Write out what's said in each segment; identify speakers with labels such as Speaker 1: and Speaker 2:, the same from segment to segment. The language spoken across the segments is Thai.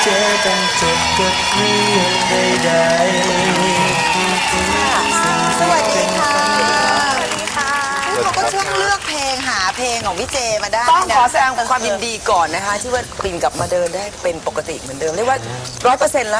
Speaker 1: เจต้องจบกับเรื่องใดๆ
Speaker 2: สวัสดีค่ะเขาก็ช่วงเลือกเพลงหาเพลงของพี่เจมาได้
Speaker 3: ต้องขอแสดงความยินดีก่อนนะคะที่ว่าปิ่นกลับมาเดินได้เป็นปกติเหมือนเดิมเรียกว่า100%ละ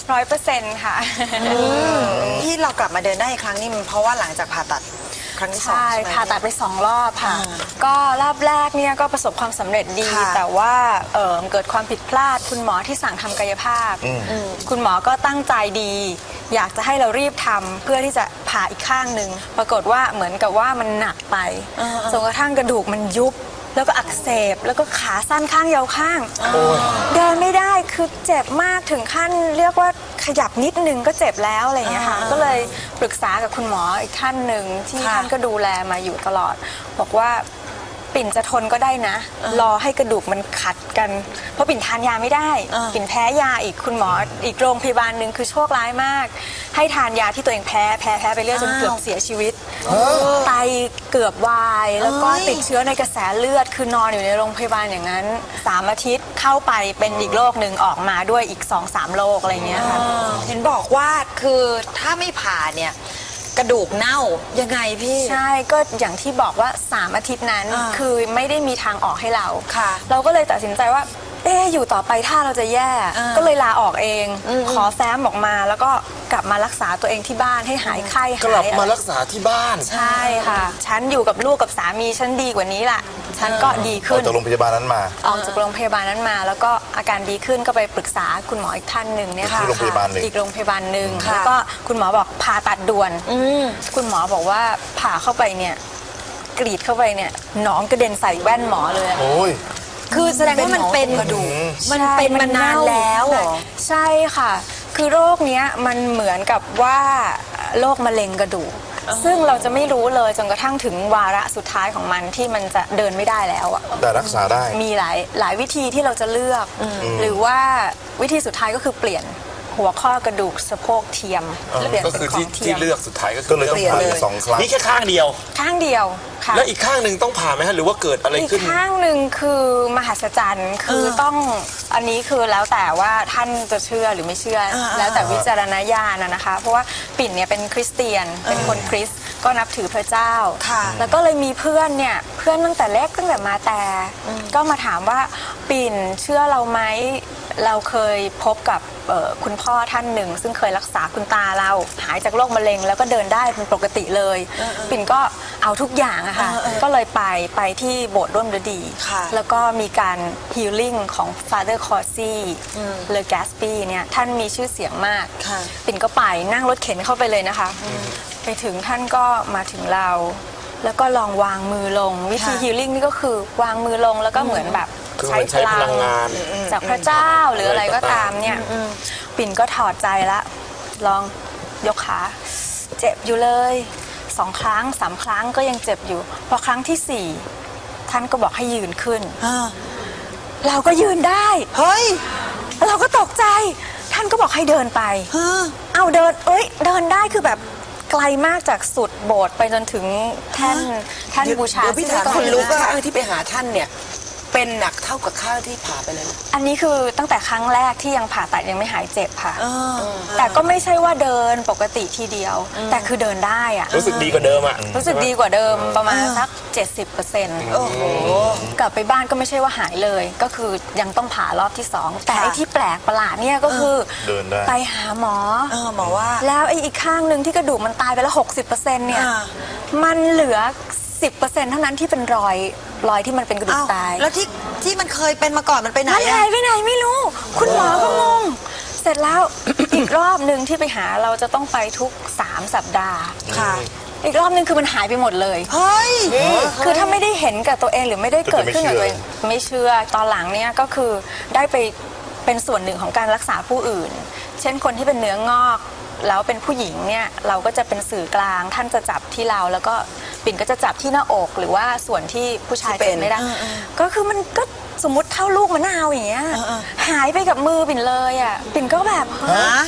Speaker 4: 100%ค่ะ
Speaker 2: ที่เรากลับมาเดินได้อีกครั้งนี่มันเพราะว่าหลังจากผ่าตัดครั้งที่สอง
Speaker 4: ใช่
Speaker 2: ใช่ไหม
Speaker 4: ผ่าตัดไป2 รอบค่ะ ก็รอบแรกเนี่ยก็ประสบความสำเร็จดี
Speaker 2: ค่ะ
Speaker 4: แต่ว่าเกิดความผิดพลาดคุณหมอที่สั่งทำกายภาพ คุณหมอก็ตั้งใจดี อยากจะให้เรารีบทำเพื่อที่จะผ่าอีกข้างหนึ่งปรากฏว่าเหมือนกับว่ามันหนักไปจนกระทั่งกระดูกมันยุบแล้วก็อักเสบแล้วก็ขาสั้นข้างยาวข้างเดินไม่ได้คือเจ็บมากถึงขั้นเรียกว่าขยับนิดนึงก็เจ็บแล้วอะไรอย่างเงี้ยค่ะก็เลยปรึกษากับคุณหมออีกท่านหนึ่งที่ท่านก็ดูแลมาอยู่ตลอด บอกว่าปิ่นจะทนก็ได้นะ รอให้กระดูกมันขัดกัน เพราะปิ่นทานยาไม่ได้ ปิ่นแพ้ยาอีกคุณหมออีกโรงพยาบาลหนึ่งคือโชคร้ายมาก ให้ทานยาที่ตัวเองแพ้ไปเรื่อยจนเกือบเสียชีวิตไตเกือบวายแล้วก็ติดเชื้อในกระแสเลือดคือนอนอยู่ในโรงพยาบาลอย่างนั้น3 อาทิตย์เข้าไปเป็นอีกโรคหนึ่งออกมาด้วยอีก 2-3 โรคอะไรเงี้ยค่ะ
Speaker 2: เห็นบอกว่าคือถ้าไม่ผ่าเนี่ยกระดูกเน่ายังไงพี่
Speaker 4: ใช่ก็อย่างที่บอกว่า3 อาทิตย์นั้นคือไม่ได้มีทางออกให้เรา
Speaker 2: ค่ะ
Speaker 4: เราก็เลยตัดสินใจว่าอยู่ต่อไปถ้าเราจะแย่ ก็เลยลาออกเอง ขอแฟ้มออกมาแล้วก็กลับมารักษาตัวเองที่บ้านให้หายไข้
Speaker 1: กลับ
Speaker 4: หาย
Speaker 1: มารักษาที่บ้าน
Speaker 4: ใช่ค่ะ ฉันอยู่กับลูกกับสามีฉันดีกว่านี้ล่ะ ฉันก็ดี
Speaker 1: ออ
Speaker 4: ขึ้
Speaker 1: ก
Speaker 4: น
Speaker 1: จากโรงพยาบาลนั้นมา
Speaker 4: ออกจากโรงพยาบาลนั้นมา แล้วก็อาการดีขึ้นก็ไปปรึกษาคุณหมออีกท่านหนึ่งเนี่ยค่ะ
Speaker 1: ที่โรงพยาบาลหนึ่ง
Speaker 4: อีกโรงพยาบาลหนึ่งแล้วก็คุณหมอบอกผ่าตัดด่วนคุณหมอบอกว่าผ่าเข้าไปเนี่ยกรีดเข้าไปเนี่ยหนองกระเด็นใส่แว่นหมอเลย
Speaker 1: โอ้ย
Speaker 2: คือแสดงว่ามันเป็นกระดูกมันเป็นมานานแล้วเหรอ
Speaker 4: ใช่ค่ะ คือโรคเนี้ยมันเหมือนกับว่าโรคมะเร็งกระดูกซึ่งเราจะไม่รู้เลยจนกระทั่งถึงวาระสุดท้ายของมันที่มันจะเดินไม่ได้แล้วอะ
Speaker 1: แต่รักษาได้
Speaker 4: มีหลายวิธีที่เราจะเลือก หรือว่าวิธีสุดท้ายก็คือเปลี่ยนหัวข้อกระดูกสะโพกเทียมเปลี่ยน
Speaker 5: ก็
Speaker 4: เป็
Speaker 5: คือน
Speaker 4: ขอ
Speaker 5: ที่
Speaker 4: งเที
Speaker 5: ที่
Speaker 4: ยม
Speaker 5: เลือกสุดท้ายก็
Speaker 1: ก็เลยต้องผ่าอีก2 ครั้ง
Speaker 5: นี่แค่ข้างเดียว
Speaker 4: ข้างเดียวค่ะ
Speaker 5: แล้วอีกข้างหนึ่งต้องผ่าไหมฮะหรือว่าเกิดอะไร
Speaker 4: อีก
Speaker 5: ขึ้น
Speaker 4: ข้างหนึ่งคือมหัศจรรย์คือต้องอันนี้คือแล้วแต่ว่าท่านจะเชื่อหรือไม่เชื่อแล้วแต่วิจารณญาณนะคะ เพราะว่าปิ่นเนี่ยเป็นคริสเตียนเป็นคนคริสต์ก็นับถือพระเจ้า แล้วก็เลยมีเพื่อนเนี่ยเพื่อนตั้งแต่เล็กตั้งแต่มาแต่ก็มาถามว่าปิ่นเชื่อเราไหมเราเคยพบกับคุณพ่อท่านหนึ่งซึ่งเคยรักษาคุณตาเราหายจากโรคมะเร็งแล้วก็เดินได้เป็นปกติเลยปิ่นก็เอาทุกอย่างอะค่ะก็เลยไปที่โบสถ์ร่วมฤดี แล้วก็มีการฮีลลิ่งของ Father Corsi เลอแกสปีเนี่ยท่านมีชื่อเสียงมากปิ่นก็ไปนั่งรถเข็นเข้าไปเลยนะคะไปถึงท่านก็มาถึงเราแล้วก็ลองวางมือลงวิธีฮีลลิ่งนี่ก็คือวางมือลงแล้วก็เหมือนแบบใช้พลังจากพระเจ้าหรืออะไรก็ตามเนี่ยปิ่นก็ถอดใจละลองยกขาเจ็บอยู่เลย2 ครั้ง3 ครั้งก็ยังเจ็บอยู่พอครั้งที่4ท่านก็บอกให้ยืนขึ้นเราก็ยืนได้เฮ้ยเราก็ตกใจท่านก็บอกให้เดินไปเอาเดินเดินได้คือแบบไกลมากจากสุดโบสถ์ไปจนถึงแท่นบูชา
Speaker 3: เดี๋ยวพี่ถามคนรู้ว่าข้างที่ไปหาท่านเนี่ยเป็นหนักเท่ากับข้างที่ผ่าไปเลย
Speaker 4: อันนี้คือตั้งแต่ครั้งแรกที่ยังผ่าตัดยังไม่หายเจ็บค่ะแต่ก็ไม่ใช่ว่าเดินปกติทีเดียว แต่คือเดินได้อะ
Speaker 5: รู้สึกดีกว่าเดิมอ่ะ
Speaker 4: รู้สึกดีกว่าเดิมประมาณสัก 70%โอ้โหกลับไปบ้านก็ไม่ใช่ว่าหายเลย ก็คือยังต้องผ่ารอบที่2แต่ไอ้ที่แปลกประหลาดเนี่ยก็คือ
Speaker 1: เดินได้
Speaker 4: ไปหาหมอ
Speaker 2: หมอว่า
Speaker 4: แล้วไอ้อีกข้างหนึ่งที่กระดูกมันตายไปแล้ว 60%เนี่ยมันเหลือ 10%เท่านั้นที่เป็นรอยที่มันเป็นกระดูกตาย
Speaker 2: แล้วที่มันเคยเป็นมาก่อนมันไปไหน
Speaker 4: มันหายไปไหนไม่รู้ คุณหมอก็งง เสร็จแล้ว อีกรอบหนึ่งที่ไปหาเราจะต้องไปทุก3 สัปดาห์
Speaker 2: ค่ะ
Speaker 4: อีกรอบหนึ่งคือมันหายไปหมดเลย
Speaker 2: เฮ้ย
Speaker 4: คือถ้าไม่ได้เห็นกับตัวเองหรือไม่ได้เกิดขึ้นกับตัวเองไม่เชื่อตอนหลังเนี่ยก็คือได้ไปเป็นส่วนหนึ่งของการรักษาผู้อื่น เช่นคนที่เป็นเนื้องอกแล้วเป็นผู้หญิงเนี่ยเราก็จะเป็นสื่อกลางท่านจะจับที่เราแล้วก็ปิ่นก็จะจับที่หน้าอกหรือว่าส่วนที่ผู้ชายเป็นไม่ได้ก็คือมันก็สมมติเท่าลูกมะนาวอย่างเงี้ยหายไปกับมือปิ่นเลยอ่ะปิ่นก็แบบ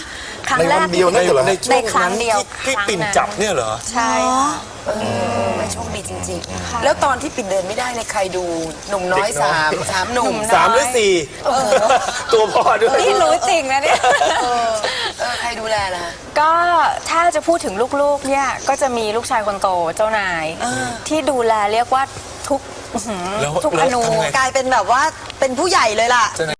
Speaker 4: ครั้ง
Speaker 1: ใน
Speaker 4: แร
Speaker 1: วั
Speaker 4: ก
Speaker 1: นเดียวนั่นเหรอ
Speaker 5: ใน
Speaker 1: ฮะ
Speaker 5: ช่วง
Speaker 4: ในครั้งเดียว
Speaker 5: ที่ปิ่น
Speaker 4: ครั้งนั้น
Speaker 5: จับเนี่ยเหรอ
Speaker 4: ใช่ค่ะ
Speaker 3: มันโชคดีจริงๆ แล้วตอนที่ปิ่นเดินไม่ได้ในยใครดูหนุ่มน้อยสามหนุ่ม
Speaker 5: สามหรือสี่ตัวพ่อด้วย
Speaker 4: นี่รู้จริงนะเนี่ย
Speaker 3: ใครดูแลล่ะ
Speaker 4: ก็ถ้าจะพูดถึงลูกๆเนี่ยก็จะมีลูกชายคนโตเจ้านาย ที่ดูแลเรียกว่าทุก
Speaker 5: แล้ว
Speaker 4: ทุกอนู
Speaker 5: ทำไง
Speaker 2: กลายเป็นแบบว่าเป็นผู้ใหญ่เลยล่ะ